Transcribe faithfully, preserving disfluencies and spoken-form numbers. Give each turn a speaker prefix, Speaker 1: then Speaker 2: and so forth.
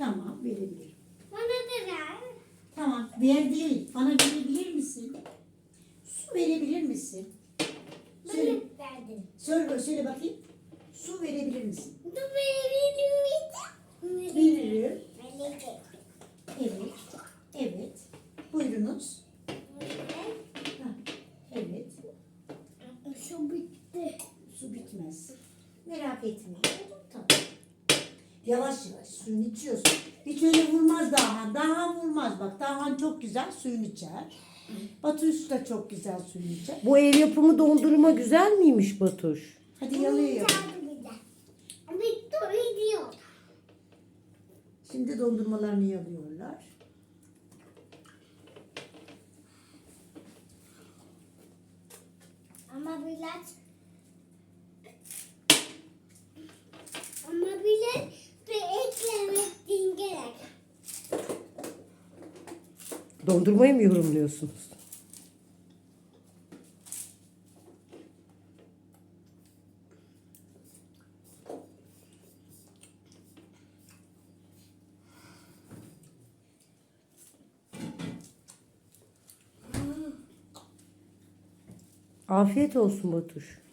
Speaker 1: Tamam, verebilirim.
Speaker 2: Bana da ver.
Speaker 1: Tamam, ver değil. Bana verebilir misin? Su verebilir misin? Söyle,
Speaker 2: Bana verdin.
Speaker 1: söyle, söyle bakayım. Su verebilir misin?
Speaker 2: Bu benim miydi?
Speaker 1: Veririm.
Speaker 2: Verecek.
Speaker 1: Evet. Evet. Buyurunuz. Ha, evet.
Speaker 2: Şu bitti.
Speaker 1: Su bitmez. Merak etme. Tamam. Yavaş yavaş suyunu içiyorsun. Hiç öyle vurmaz Dahan. Dahan vurmaz bak. Dahan çok güzel suyunu içer. Batuş da çok güzel suyunu içer.
Speaker 3: Bu ev yapımı dondurma güzel miymiş Batuş?
Speaker 1: Hadi yalıyor.
Speaker 2: Bitti gidiyor.
Speaker 1: Şimdi dondurmalarını yalıyorlar.
Speaker 2: Ama biraz ama biraz bir eklemek gerek.
Speaker 3: Dondurmayı mı yorumluyorsunuz? Afiyet olsun Batuş.